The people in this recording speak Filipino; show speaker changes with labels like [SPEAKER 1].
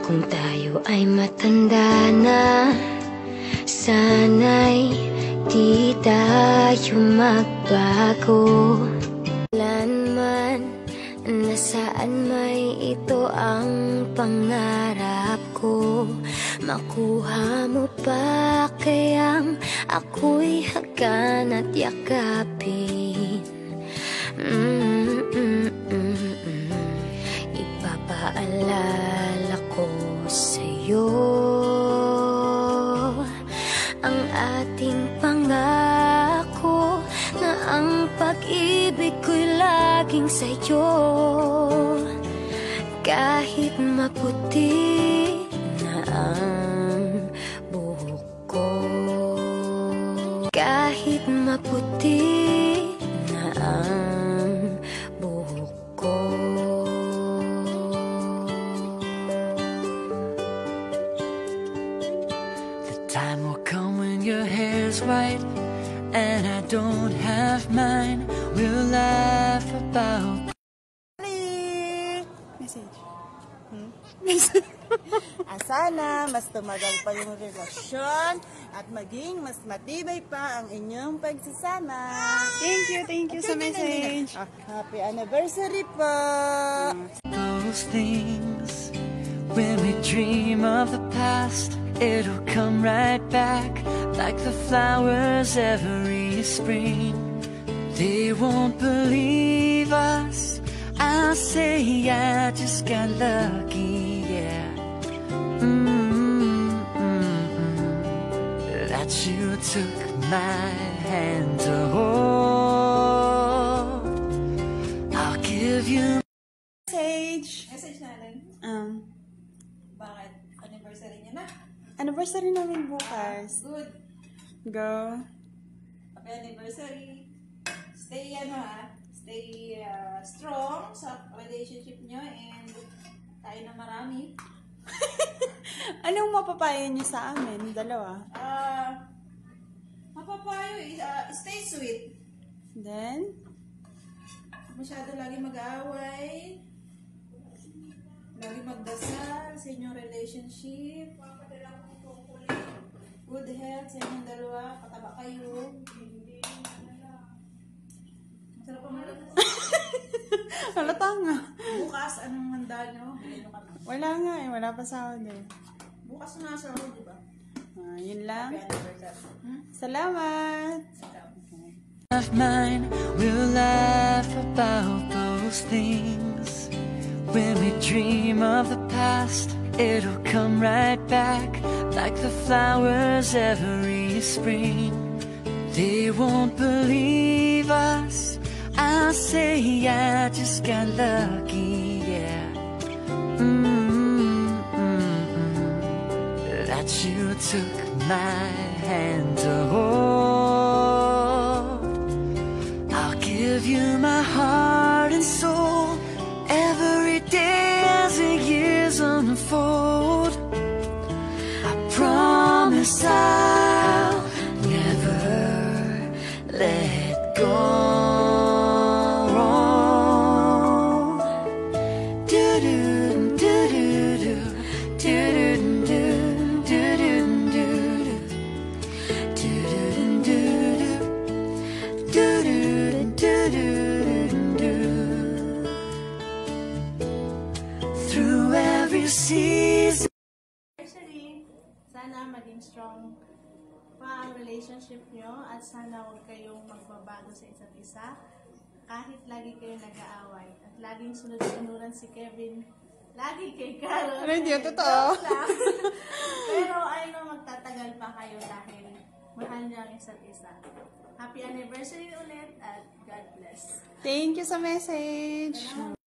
[SPEAKER 1] Kung tayo ay matanda na, sana'y di tayo magbago. Kailanman, nasaan may ito ang pangarap ko. Makuha mo pa kayang ako'y hagan at yakapin. Ipapaalala ko sa'yo ang ating pangako na ang pag-ibig ko'y laging sa'yo. Kahit maputi na ang buhok ko, kahit maputi na ang buhok ko.
[SPEAKER 2] The time will come when your hair's white and I don't have mine. We'll laugh about
[SPEAKER 3] message. Sana mas tumagal pa yung relasyon at maging mas matibay pa ang inyong pagsasama.
[SPEAKER 4] Thank you sa message.
[SPEAKER 3] Happy anniversary po.
[SPEAKER 2] those things. When we dream of the past, it'll come right back like the flowers every spring. They won't believe us. I'll say I just got lucky, yeah. That you took my hand to hold. I'll give you
[SPEAKER 3] Message.
[SPEAKER 4] Message natin. Bakit? Anniversary niya na?
[SPEAKER 3] Anniversary namin bukas.
[SPEAKER 4] Good.
[SPEAKER 3] Go.
[SPEAKER 4] Happy anniversary. Stay stay strong sa relationship nyo and tayo na marami.
[SPEAKER 3] Anong mapapayo niyo sa amin? Dalawa.
[SPEAKER 4] Mapapayo, stay sweet.
[SPEAKER 3] Then?
[SPEAKER 4] Masyado lagi mag-aaway. Lagi magdasal sa inyong relationship. Good health sa inyong dalawa. Pataba kayo. Masarap pa malit.
[SPEAKER 3] Halata nga.
[SPEAKER 4] Bukas, anong handa nyo?
[SPEAKER 3] Wala nga eh. Wala pa sahod eh.
[SPEAKER 4] Bukas na sa ako, di ba?
[SPEAKER 3] Yun lang.
[SPEAKER 4] Happy anniversary.
[SPEAKER 3] Salamat.
[SPEAKER 2] of mine. We'll laugh about those things. When we dream of the past, it'll come right back like the flowers every spring. They won't believe us. I'll say I just got lucky, yeah. That you took my hand to hold. I'll give you my heart and soul every day as the years unfold. I promise I'll never let go. Through every season.
[SPEAKER 5] Actually, sana maging strong pa ang relationship nyo at sana huwag kayong magbabago sa isa't isa kahit lagi kayo nag-aaway at laging sunod-sunuran si Kevin lagi kay Carol.
[SPEAKER 3] Ano, hindi yun totoo?
[SPEAKER 5] Pero I know magtatagal pa kayo dahil mahal niya ang isa't isa. Happy anniversary ulit at God bless.
[SPEAKER 3] Thank you sa message.